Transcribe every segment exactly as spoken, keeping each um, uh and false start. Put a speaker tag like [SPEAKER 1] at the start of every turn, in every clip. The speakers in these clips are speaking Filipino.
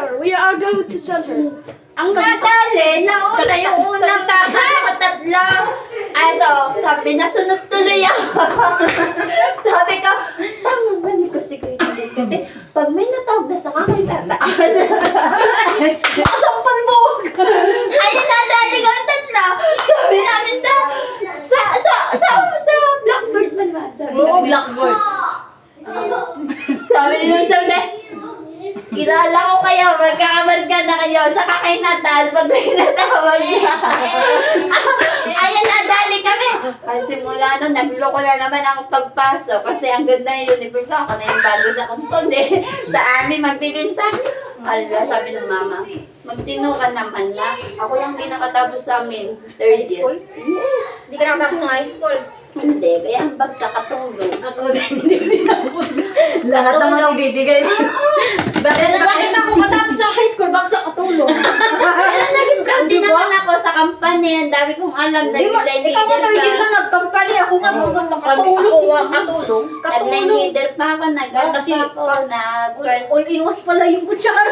[SPEAKER 1] her. We are going to tell her.
[SPEAKER 2] Ang nadali, nauna yung unang kasama tatlo. Ano, sabi, nasunod tuloy ako. Sabi ko, tama ba ni ko si Kuya Diskarte? Pag may natawag na sa kakan tataas. Sampal mo! Ayun, nadali ko ang tatlo. Sabi namin sa, sa, sa, sa, sa Blackbird man ba? Sabi
[SPEAKER 3] Oo,
[SPEAKER 2] namin.
[SPEAKER 3] Blackbird.
[SPEAKER 2] Sabi nung sabi, kilala ko kayo, magkakamarga na kayo, saka kay Natal, pag may natawag na. Ayan, nadali kami. Kasi mula nun, nagloko na naman ang pagpasok. Kasi ang ganda yung uniform ko, ako na yung bago sa kumpon eh. Sa amin, magpipinsan. Ala, sabi ng mama, magtino ka naman na. Ako lang din nakatapos sa amin. Third
[SPEAKER 1] High school?
[SPEAKER 2] year.
[SPEAKER 1] Hindi ka nakatapos ng high school.
[SPEAKER 2] Hindi, kaya ang bagsak katulog.
[SPEAKER 3] Ako din, hindi ko tinapos. Lahat naman ibibigay.
[SPEAKER 1] Pero bakit ako matapos ng high school? Bakit sa katulong?
[SPEAKER 2] Pero naging proud din naman ako sa company. Ang dami kong alam na
[SPEAKER 1] Di ba,
[SPEAKER 2] design
[SPEAKER 1] ikaw nga
[SPEAKER 2] leader
[SPEAKER 1] tumigil
[SPEAKER 2] ka.
[SPEAKER 1] lang nag-company. Ako nga mga nakatulong.
[SPEAKER 3] Ako nga, katulong.
[SPEAKER 2] Nag-line
[SPEAKER 1] Katulong.
[SPEAKER 2] leader pa ako, nag-ano
[SPEAKER 1] Kasi
[SPEAKER 2] pa ako, nag-first.
[SPEAKER 1] All in one pala yung kutsara.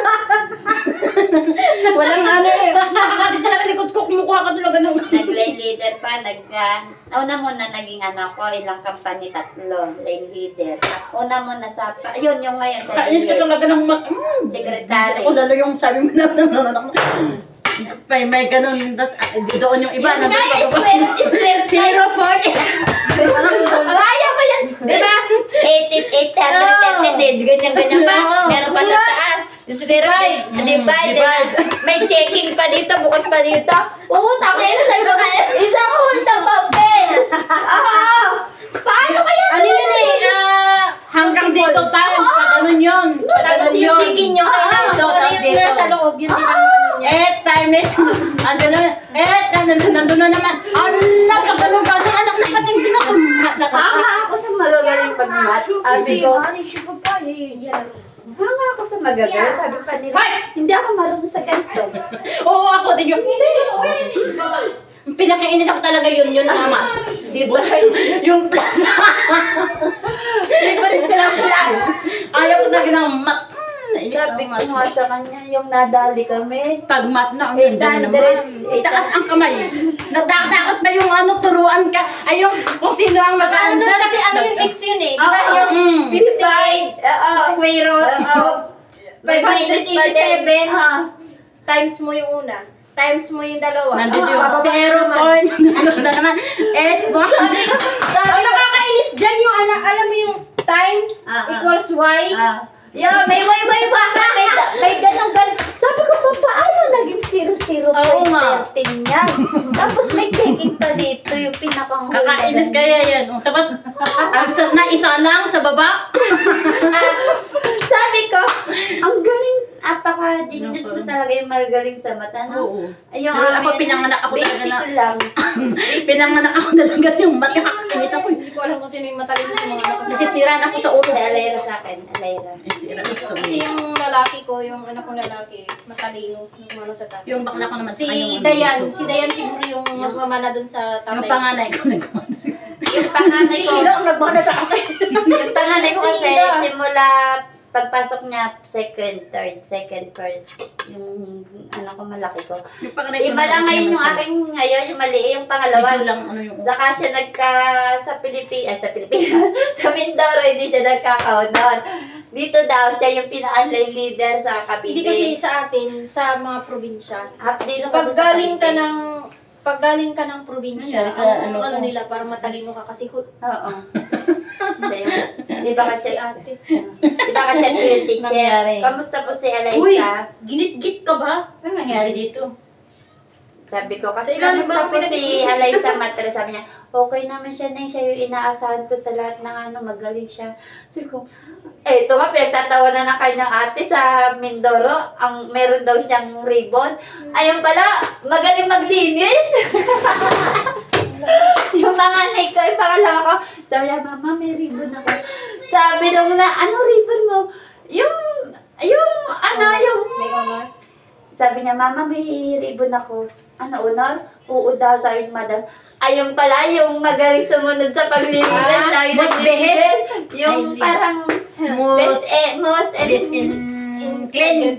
[SPEAKER 3] Walang ano eh. Nakakati talaga likod ko, kumukuha ka talaga ng...
[SPEAKER 2] Nag-line leader pa, nag... Uh, una muna naging ano ako, ilang company, tatlo, line leader. Una muna sa... Yun, yung ngayon sa
[SPEAKER 3] Kainis ka talaga ng mat... Mm.
[SPEAKER 2] secretary.
[SPEAKER 3] Ako lalo yung sabi mo na naman ako. May, may ganun, tas, ah, doon yung iba.
[SPEAKER 2] Yun nga,
[SPEAKER 3] nandun pa-
[SPEAKER 2] square, square
[SPEAKER 3] Zero point.
[SPEAKER 2] Kaya ko yan. Di ba? eight, eight, hundred, ganyan-ganyan pa. Meron pa sa taas. Square,
[SPEAKER 3] Mm,
[SPEAKER 2] divide.
[SPEAKER 3] divide.
[SPEAKER 2] May checking pa dito, bukod pa dito. Oo, takay na sabi ko, isang hulta papel. Ah, paano kaya?
[SPEAKER 1] Ano yun eh? ah,
[SPEAKER 3] Hanggang dito tayo, pag ganun yun. Pag
[SPEAKER 1] Tapos
[SPEAKER 3] ganun
[SPEAKER 1] yung
[SPEAKER 3] yun.
[SPEAKER 1] chicken nyo, kailangan
[SPEAKER 3] Dito,
[SPEAKER 1] ko
[SPEAKER 3] tapos
[SPEAKER 1] yung
[SPEAKER 3] dito.
[SPEAKER 1] nasa loob, yun din ang ano niya.
[SPEAKER 3] Eh, time is, andun na, eh, nandun, nandun na naman. Allah, kagalong kasi anak na pating tinakumat na
[SPEAKER 2] Hanga ako sa magagaling pag-mat. Sabi ko, hanga ako sa magagaling. Sabi pa nila, hindi ako marunong sa ganito.
[SPEAKER 3] Oo, ako din yung, pinakainis ako talaga yun, yun naman. Di ba? Yung plus.
[SPEAKER 2] Favorite ko lang class.
[SPEAKER 3] Ayaw ko talaga ng mat.
[SPEAKER 2] Sabi ko nga sa kanya, yung nadali kami.
[SPEAKER 3] Pag mat na, ang
[SPEAKER 2] eight
[SPEAKER 3] ganda
[SPEAKER 2] hundred.
[SPEAKER 3] naman. Itaas ang kamay. Natatakot ba yung ano, turuan ka? Ay, yung kung sino ang
[SPEAKER 1] Ano
[SPEAKER 3] mag-answer.
[SPEAKER 1] kasi ano yung mix yun eh. Di ba
[SPEAKER 2] Oo.
[SPEAKER 1] yung
[SPEAKER 3] Mm.
[SPEAKER 2] Divide. Oo.
[SPEAKER 1] square root,
[SPEAKER 2] Oo.
[SPEAKER 1] five hundred eighty-seven
[SPEAKER 2] Ah.
[SPEAKER 1] times mo yung una, times mo yung dalawa.
[SPEAKER 3] Nandito
[SPEAKER 1] Ah,
[SPEAKER 3] yung
[SPEAKER 1] bababa
[SPEAKER 3] zero
[SPEAKER 1] naman.
[SPEAKER 3] point. Ano na naman? Eh, one.
[SPEAKER 1] Ang nakakainis dyan yung anak, alam mo yung times
[SPEAKER 2] Ah, ah.
[SPEAKER 1] equals y.
[SPEAKER 2] Ah. Yeah, may way way ba ka? May, may ganong gan. Sabi ko pa, paano naging zero zero
[SPEAKER 3] Oo nga.
[SPEAKER 2] thirteen yan? Tapos may checking pa dito, yung pinakang
[SPEAKER 3] Kakainis kaya yan. Oh, tapos, ang sa, na isa lang sa baba.
[SPEAKER 2] Sabi ko, ang galing, apaka-genius mo talaga yung magaling sa mata, no?
[SPEAKER 3] Oo.
[SPEAKER 2] Ayun,
[SPEAKER 3] Pero ako, pinanganak ako talaga
[SPEAKER 2] basic
[SPEAKER 3] na-
[SPEAKER 2] ko lang.
[SPEAKER 3] Pinanganak ako talaga yung mat. Kakainis ako.
[SPEAKER 1] Hindi ko alam kung sino yung matalino sa mga anak ko.
[SPEAKER 3] Nasisiraan ako sa ulo.
[SPEAKER 2] Si Alayra sa akin, Alayra.
[SPEAKER 3] Nasisiraan ako sa
[SPEAKER 1] Kasi
[SPEAKER 3] ulo.
[SPEAKER 1] yung lalaki ko, yung anak kong lalaki, matalino, nagmamana sa tatay.
[SPEAKER 3] Yung bakla ko naman.
[SPEAKER 1] Si
[SPEAKER 3] ay, yung ano,
[SPEAKER 1] Dayan,
[SPEAKER 3] yung-
[SPEAKER 1] si Dayan siguro yung nagmamana dun sa tatay.
[SPEAKER 3] Yung panganay ko nagkumansi.
[SPEAKER 2] Yung panganay
[SPEAKER 1] Si
[SPEAKER 2] ko,
[SPEAKER 1] Ilo ang nagmana sa akin.
[SPEAKER 2] yung panganay ko
[SPEAKER 1] Si
[SPEAKER 2] kasi,
[SPEAKER 1] Ida.
[SPEAKER 2] simula pagpasok niya, second, third, second, first, yung ano ko, malaki ko.
[SPEAKER 3] Yung panganay ko
[SPEAKER 2] Iba lang ngayon yung aking, ngayon, yung mali, yung pangalawa.
[SPEAKER 3] Ito lang ano yung...
[SPEAKER 2] Saka siya nagka, sa Pilipinas, sa Pilipinas, sa Mindoro, hindi siya nagkaka-honor. Dito daw, siya yung pinaka-line leader sa Cavite.
[SPEAKER 1] Hindi kasi sa atin, sa mga probinsya.
[SPEAKER 2] Half day lang
[SPEAKER 1] Pag
[SPEAKER 2] kasi sa
[SPEAKER 1] galing ka
[SPEAKER 2] Cavite.
[SPEAKER 1] ng pag galing ka ng probinsya,
[SPEAKER 3] Nangyari sa
[SPEAKER 1] ang
[SPEAKER 3] ano
[SPEAKER 1] ano,
[SPEAKER 3] ko.
[SPEAKER 1] nila para matalino ka kasi hut.
[SPEAKER 2] Oo. Siya yun. Di ba
[SPEAKER 1] Si
[SPEAKER 2] ka-chat?
[SPEAKER 1] ate.
[SPEAKER 2] Di ba ka-chat ko yung teacher?
[SPEAKER 3] Nangyari.
[SPEAKER 2] Kamusta po si
[SPEAKER 1] Uy,
[SPEAKER 2] Eliza?
[SPEAKER 1] ginit-git ka ba?
[SPEAKER 3] Ano nangyari dito?
[SPEAKER 2] Sabi ko, kasi
[SPEAKER 1] Sa ilalim
[SPEAKER 2] kamusta
[SPEAKER 1] ba
[SPEAKER 2] po
[SPEAKER 1] pinag-
[SPEAKER 2] si Eliza Matre? Sabi niya, okay naman siya na siya yung inaasahan ko sa lahat ng ano, magaling siya. Sabi ko, eh, ito nga, pinagtatawanan ng kanyang ate sa Mindoro. Ang meron daw siyang ribbon. Ayun pala, magaling maglinis. Yung panganay ko, yung pangalawa ko, sabi niya, mama, may ribbon ako. Sabi nung na, ano ribbon mo? Yung, yung, ano, yung,
[SPEAKER 1] May honor.
[SPEAKER 2] sabi niya, mama, may ribbon ako. Ano, honor? Oo daw, sabi ni madam. Ayun pala, yung magaling sumunod sa paglilinis.
[SPEAKER 3] Ah,
[SPEAKER 2] dahil
[SPEAKER 3] most
[SPEAKER 2] naglilinis. Yung
[SPEAKER 3] Ay, hindi.
[SPEAKER 2] parang,
[SPEAKER 3] Most-
[SPEAKER 2] best, eh, most,
[SPEAKER 3] Best in... clean.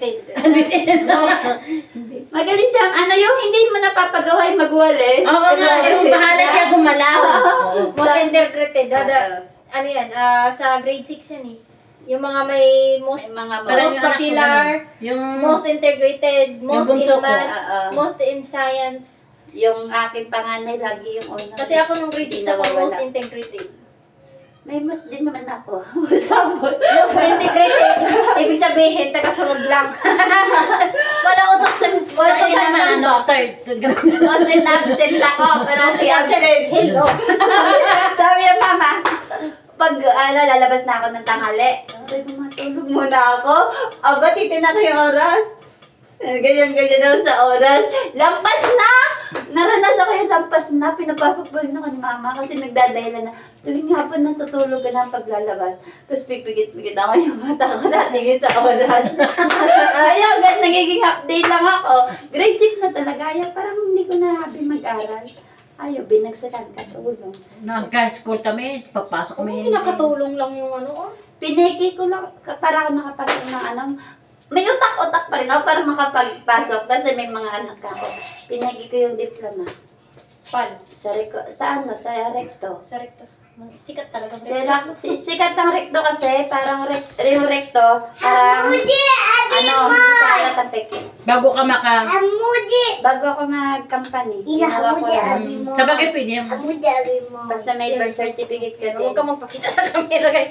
[SPEAKER 2] Magaling siyang, ano yung hindi mo napapagawa yung magwalis.
[SPEAKER 3] Oo nga, yung bahala siya gumalaw. Oo.
[SPEAKER 1] Most integrated. Dada, ano yan, ah, sa grade six yan eh. Yung mga may most,
[SPEAKER 2] May mga
[SPEAKER 3] Parang
[SPEAKER 1] most
[SPEAKER 3] yung anak ko
[SPEAKER 1] popular,
[SPEAKER 3] Yung,
[SPEAKER 1] most integrated, most in
[SPEAKER 3] bunso ko,
[SPEAKER 1] math,
[SPEAKER 2] ah, ah.
[SPEAKER 1] most in science.
[SPEAKER 2] Yung aking panganay, lagi yung una.
[SPEAKER 1] Kasi ako nung grade six ako
[SPEAKER 2] Nawawala.
[SPEAKER 1] most integrated.
[SPEAKER 2] May mas din naman ako. Sabot.
[SPEAKER 1] Most integrated. Ibig sabihin, taga-sunod lang. Wala utok sa... Wala
[SPEAKER 3] kasi
[SPEAKER 1] utok sa...
[SPEAKER 3] naman, ano, third.
[SPEAKER 2] Most in absent ako. Pero si absent.
[SPEAKER 1] Hello.
[SPEAKER 2] Sabi ng mama, pag ano, lalabas na ako ng tanghali, sabi ko, matulog muna ako. Aba, titin ako yung oras. Ganyan-ganyan daw sa oras. Lampas na! Naranasan ko yung lampas na. Pinapasok pa rin ako ni mama kasi nagdadahilan na tuwing hapon na tutulog ka na paglalabas. Tapos pipigit-pigit ako yung mata ko natingin sa oras. Ayaw, gan, nagiging half day lang ako. Grade six na talaga. Ayaw, parang hindi ko na happy mag-aral. Ayaw, binagsakan katulong.
[SPEAKER 3] Nagka-school kami, papasok kami.
[SPEAKER 1] Kinakatulong lang yung ano, oh.
[SPEAKER 2] Piniki ko lang, ka- para ako nakapasok ng ano, may utak-utak pa rin ako para makapagpasok kasi may mga anak ako. Pinagi ko yung diploma.
[SPEAKER 1] Pan.
[SPEAKER 2] Sa, reko, sa ano, sa recto.
[SPEAKER 1] Sa recto. Sikat talaga.
[SPEAKER 2] Si, rak- si, sikat ang recto kasi, parang rek, yung recto, parang, ano, sa alat ang peke.
[SPEAKER 3] Bago ka maka...
[SPEAKER 2] Bago ako nag-company, ginawa ko lang.
[SPEAKER 3] Sa bagay pwede yung...
[SPEAKER 2] Basta may birth certificate ka din.
[SPEAKER 1] Huwag ka magpakita sa camera kay.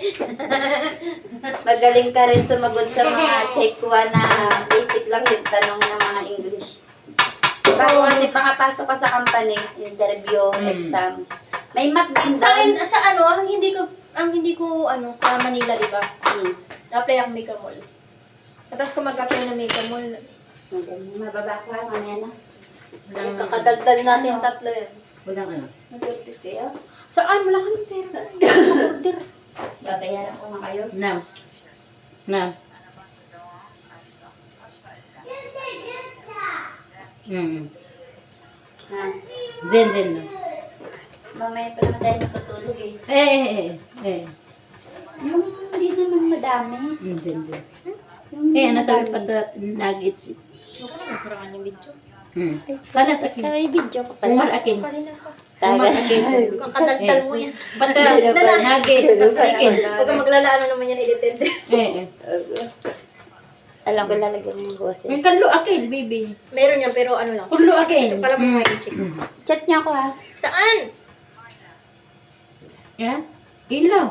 [SPEAKER 2] Magaling ka rin sumagot sa mga checkwa na basic lang yung tanong ng mga English. Bago kasi makapasok ka sa company, interview,
[SPEAKER 3] Mm.
[SPEAKER 2] exam. May math din
[SPEAKER 1] Sa akin,
[SPEAKER 2] doon.
[SPEAKER 1] sa ano, ang hindi ko, ang hindi ko, ano, sa Manila, di ba?
[SPEAKER 2] Hmm.
[SPEAKER 1] Na-apply ako Mega Mall. Tapos kung mag-apply ng Mega Mall,
[SPEAKER 2] Magaling. Mababa ka, mamaya na.
[SPEAKER 3] Walang...
[SPEAKER 1] kakadaldal natin tatlo yan.
[SPEAKER 3] Walang ano.
[SPEAKER 2] Mag-order kayo.
[SPEAKER 1] Saan? Wala kami pera. Order.
[SPEAKER 2] Babayaran ko nga kayo.
[SPEAKER 3] Na. Na. Hmm.
[SPEAKER 2] Ha?
[SPEAKER 3] Zen, zen lang.
[SPEAKER 2] Mamaya pa naman tayo natutulog eh.
[SPEAKER 3] Eh, eh, eh. Eh.
[SPEAKER 2] Yung hindi naman madami.
[SPEAKER 3] Hmm, zen, zen.
[SPEAKER 2] Yung
[SPEAKER 3] Eh, ano sabi
[SPEAKER 2] madami.
[SPEAKER 3] pa ito? Nuggets.
[SPEAKER 1] Huwag ka na magkaroon yung video.
[SPEAKER 3] Hmm. Kana sa akin.
[SPEAKER 2] Kaya video ko
[SPEAKER 3] Umar
[SPEAKER 2] pala.
[SPEAKER 3] akin.
[SPEAKER 1] Kanina ka.
[SPEAKER 3] Umar akin.
[SPEAKER 1] Kakadaldal mo yan.
[SPEAKER 3] Pata, nuggets. Chicken.
[SPEAKER 1] Huwag ka maglala, ano naman yan edited.
[SPEAKER 3] Eh, eh.
[SPEAKER 2] Alam ko lalagyan yung boses.
[SPEAKER 3] May kalo akin, baby.
[SPEAKER 1] Meron yan, pero ano lang.
[SPEAKER 3] Kulo akin.
[SPEAKER 1] Pala mo nga i-check.
[SPEAKER 3] Hmm.
[SPEAKER 2] Chat niya ako ha.
[SPEAKER 1] Saan?
[SPEAKER 3] Yan. Ilaw.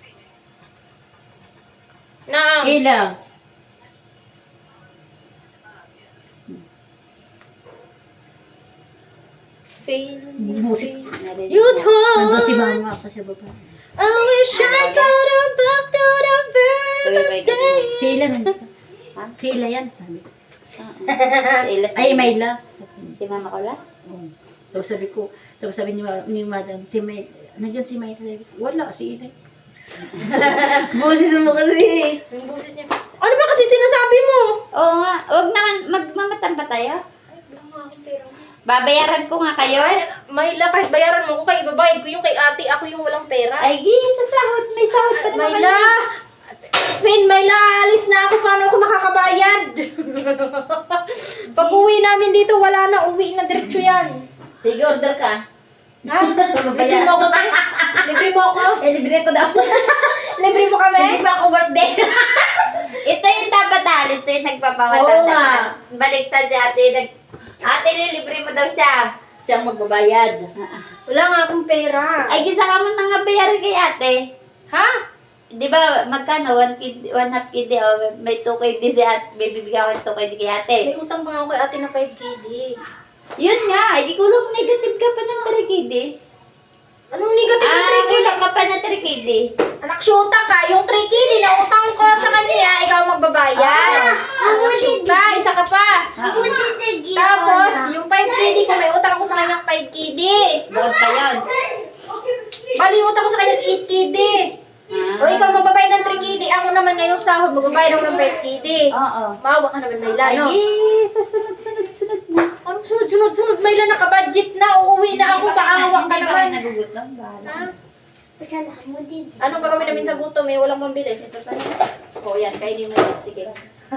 [SPEAKER 1] Na.
[SPEAKER 3] Ilaw.
[SPEAKER 1] Fail.
[SPEAKER 3] Musik.
[SPEAKER 2] Narinig
[SPEAKER 1] You
[SPEAKER 2] ko.
[SPEAKER 3] Nandun
[SPEAKER 1] told.
[SPEAKER 3] si mama pa sa baba.
[SPEAKER 1] I wish I could have back to the very
[SPEAKER 2] Tuloy
[SPEAKER 1] first
[SPEAKER 2] ba
[SPEAKER 1] day.
[SPEAKER 3] Si Ila.
[SPEAKER 2] Ha?
[SPEAKER 3] Si Ila yan. Sabi.
[SPEAKER 2] Si Ila, si-
[SPEAKER 3] Ay, Mayla.
[SPEAKER 2] Si Mama ko la?
[SPEAKER 3] Oo. Tapos sabi ko, tapos sabi ni, ma- ni madam, si May, nandiyan si Mayla. Sabi ko, wala, si Ila. Boses mo kasi.
[SPEAKER 1] Yung boses niya. Ano ba kasi sinasabi mo?
[SPEAKER 2] Oo nga. Huwag naman, magmamatan pa tayo.
[SPEAKER 1] Ay, wala nga akong pera.
[SPEAKER 2] Babayaran ko nga kayo.
[SPEAKER 1] Ay, Mayla, kahit bayaran mo ko kay ibabayad ko yung kay ate, ako yung walang pera.
[SPEAKER 2] Ay, gi, sa sahod. May sahod pa naman.
[SPEAKER 1] Mayla! Fin, Mayla, alis na ako. Paano ako makakabayad? Pag uwi namin dito, wala na. Uwi na diretso yan.
[SPEAKER 3] Sige, order ka.
[SPEAKER 1] Ha? Libre mo ako, te? Libre mo ako?
[SPEAKER 3] Eh, libre ko daw.
[SPEAKER 1] Libre mo kami?
[SPEAKER 3] Hindi pa ako birthday.
[SPEAKER 2] Ito yung dapat alis. Ito yung
[SPEAKER 3] Oo
[SPEAKER 2] nagpapamatanda.
[SPEAKER 3] nga.
[SPEAKER 2] Baliktad si ate. Nag, ate, nilibre mo daw siya.
[SPEAKER 3] Siyang magbabayad.
[SPEAKER 1] Wala nga akong pera.
[SPEAKER 2] Ay, gisa ka mo nang nga bayaran kay ate.
[SPEAKER 1] Ha?
[SPEAKER 2] Di ba, magkano? One, kid, one half kid, oh, may two K D si ate. May bibigyan ko two K D kay ate.
[SPEAKER 1] May utang pa nga ako kay ate na five K D.
[SPEAKER 2] Yun nga, hindi ko lang negative ka pa ng three K D.
[SPEAKER 1] Anong negative na
[SPEAKER 2] Ah,
[SPEAKER 1] three K D?
[SPEAKER 2] wala ka pa na three K D.
[SPEAKER 1] Anak, syuta ka. Yung three K D na utang ko sa kanya, ikaw magbabayad. Anak, syuta. Isa ka pa. Tapos, yung five K D ko, may utang ako sa kanyang five K D.
[SPEAKER 2] Bukod pa yun.
[SPEAKER 1] Bali, yung utang ko sa kanyang eight K D. O ikaw magbabayad ng three K D, ako naman ngayong sahod, magbabayad ako ng five K D.
[SPEAKER 2] Oo.
[SPEAKER 1] Maawa ka naman, Mayla,
[SPEAKER 2] Ay,
[SPEAKER 1] no?
[SPEAKER 2] eh, sa sunod-sunod-sunod na.
[SPEAKER 1] Anong sunod-sunod-sunod, Mayla, nakabudget na, uuwi na ako, paawa ka
[SPEAKER 2] Hindi
[SPEAKER 1] naman.
[SPEAKER 2] ba nagugutom? Bahala.
[SPEAKER 1] Ha? Anong gagawin namin sa gutom, eh? Walang pambili.
[SPEAKER 2] Ito pa.
[SPEAKER 1] O, yan, kainin mo yan. Sige.